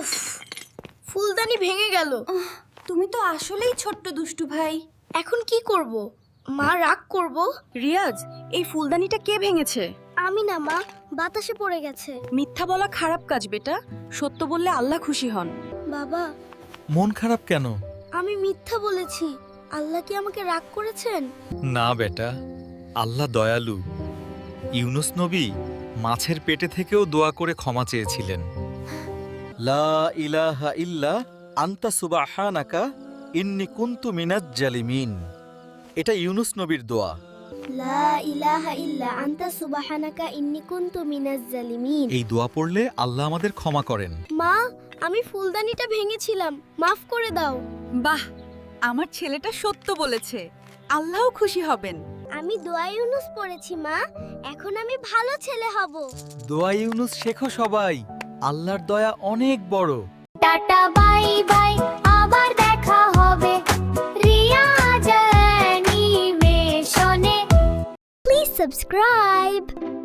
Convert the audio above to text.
উফ, ফুলদানি ভেঙে গেল। তুমি তো আসলেই ছোট্ট দুষ্টু ভাই। এখন কি করব? মা রাগ করব। রিয়াজ, এই ফুলদানিটা কে ভেঙেছে? আমি না মা, বাতাসে পড়ে গেছে। মিথ্যা বলা খারাপ কাজ বেটা, সত্য বললে আল্লাহ খুশি হন। বাবা, মন খারাপ কেন? আমি মিথ্যা বলেছি। আল্লাহ কি আমাকে রাগ করেছেন? না বেটা, আল্লাহ দয়ালু। ইউনুস নবী মাছের পেটে থেকেও দোয়া করে ক্ষমা চেয়েছিলেন। লা ইলাহা ইল্লা আনতা সুবহানাকা ইন্নী কুনতু মিনাজ জালিমিন। এটা ইউনুস নবীর দোয়া। লা ইলাহা ইল্লা আনতা সুবহানাকা ইন্নী কুনতু মিনাজ জালিমিন। এই দোয়া পড়লে আল্লাহ আমাদের ক্ষমা করেন। মা, আমি ফুলদানিটা ভেঙেছিলাম, মাফ করে দাও। বাহ, আমার ছেলেটা সত্য বলেছে, আল্লাহও খুশি হবেন। আমি দোয়া ইউনুস পড়েছি মা, এখন আমি ভালো ছেলে হব। দোয়া ইউনুস শেখো সবাই, আল্লাহর দয়া অনেক বড়। টাটা বাই বাই, আবার দেখা হবে রিয়া জার্নি মেশনে। Please subscribe.